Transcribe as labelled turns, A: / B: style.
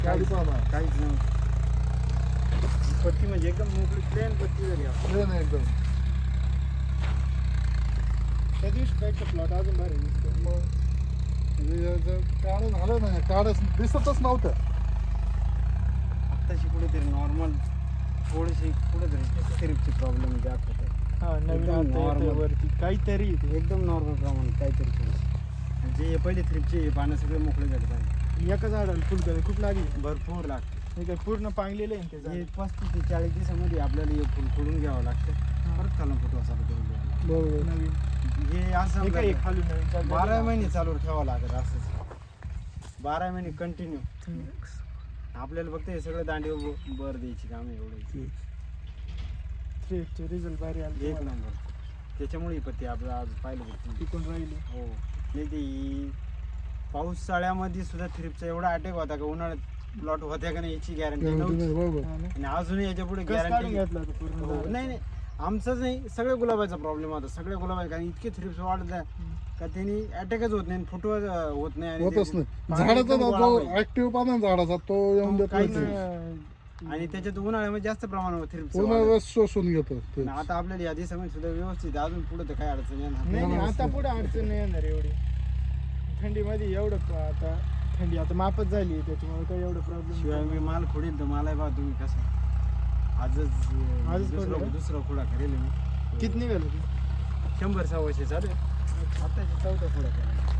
A: गाडी पाहा
B: काहीच नव्हतं. पत्ती म्हणजे एकदम मोकळी प्लेन पत्ती झाली आपण.
A: प्लेन एकदम.
B: त्या दिवशी पेक्षा प्लॉट अजून भारी दिसतो.
A: मग काढ झालं नाही, काढच दिसतच नव्हतं.
B: आत्ताशी कुठेतरी नॉर्मल थोडीशी कुठेतरी थ्रिपची प्रॉब्लेम दाखवत आहे.
C: हा नवीन
B: एकदम
C: आता येतोय
B: normal.
C: वरती काहीतरी येते.
B: एकदम नॉर्मल प्रमाण काहीतरी थोडंसं. जे पहिले थ्रिपचे पानं सगळे मोकळे झाले पाहिजे.
C: एका झाडाला फुलकळी खूप लागली.
B: भरपूर लागते.
C: हे काय पूर्ण पांगलेलं आहे ना ते
B: हे
C: झाड.
B: 35 ते 40 दिवसामध्ये आपल्याला हे फुल खोडून घ्यावं लागतं. परत खालून फुटवा चालू करून घ्यावं लागतं.
A: बरोबर.
C: नवीन
B: हे असं
C: हे काय
B: आपल्याला
C: खालून नवीन चालू
B: 12 महिने चालू ठेवावं लागत असंच. 12 महिने कंटिन्यू आपल्याला फक्त हे सगळं दांडी बर द्यायची काम आहे एवढं.
C: थ्रिपचे रिझल्ट भारी आले
B: एक नंबर. त्याच्यामुळे ही पत्ती आपलं आज पाहिलं होतं.
C: टिकून राहिली.
B: हो नाही ते पावसाळ्यामध्ये सुद्धा थ्रिपचा एवढा अटॅक होता का उन्हाळ्यात प्लॉट होत्या का नाही याची गॅरंटी
A: Guarantee
B: नव्हती.
A: नाही, बरोबर.
C: हा ना.
B: आणि अजूनही याच्या पुढे
C: कस काढून
B: गॅरंटी
C: घेतला होता पूर्ण
B: हो.
C: झाड?
B: नाही नाही आमचंच नाही सगळ्या गुलाबाचा प्रॉब्लेम होता. सगळ्या गुलाबाचे कारण इतके थ्रिप्स वाढत का त्यांनी अटॅकच होत नाही फुटवा होत नाही आणि
A: होतच
B: ते
A: नाही.
B: पाणी
A: झाडाचा
B: एकदम
A: जो
B: गोळा पाहिजे.
A: ऍक्टिव्ह पाना झाडाचा तो येऊन
B: तो
A: देत
B: काहीच
A: नाही.
B: नाही. आणि त्याच्यात उन्हाळ्यामध्ये जास्त प्रमाणावर थ्रिप्स
A: पूर्ण रस शोषून घेतो ते.
B: आता आपल्याला या दिवसामध्ये सुद्धा व्यवस्थित आहे. अजून पुढे तर काय अडचण येणार
C: नाही नाही
A: हा,
C: आता पुढे अडचण नाही येणार एवढी. थंडीमध्ये एवढं आता थंडी आता मापच झाली आहे त्याच्यामुळे काही एवढं
B: शिवाय
C: प्रॉब्लेम.
B: मी माल खोडील तर मला बा तुम्ही कसं आजच
C: खोडलं का?
B: दुसरा खोडा करेल मी.
C: किती निघालं ते?
B: 100-125 चालू आहे. आत्ताची 4था खोडा करेल.